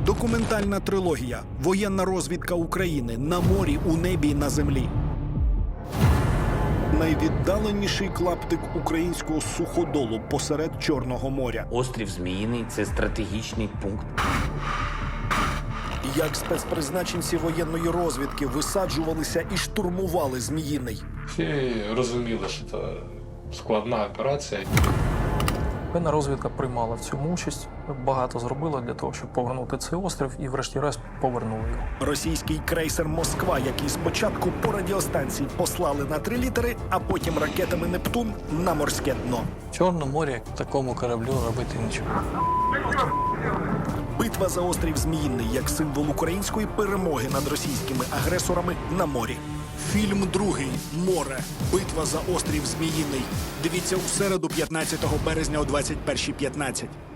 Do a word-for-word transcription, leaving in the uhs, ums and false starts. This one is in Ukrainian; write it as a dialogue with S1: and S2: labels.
S1: Документальна трилогія «Воєнна розвідка України» на морі, у небі і на землі. Найвіддаленіший клаптик українського суходолу посеред Чорного моря.
S2: Острів Зміїний – це стратегічний пункт.
S1: Як спецпризначенці воєнної розвідки висаджувалися і штурмували Зміїний.
S3: Всі розуміли, що це складна операція.
S4: Воєнна розвідка приймала в цьому участь, багато зробила для того, щоб повернути цей острів, і врешті-решт повернули його.
S1: Російський крейсер «Москва», який спочатку по радіостанції послали на три літери, а потім ракетами «Нептун» на морське дно.
S4: В Чорному морі такому кораблю робити нічого.
S1: Битва за острів Зміїний як символ української перемоги над російськими агресорами на морі. Фільм другий «Море. Битва за острів Зміїний». Дивіться у середу, п'ятнадцятого березня о двадцять першій п'ятнадцять.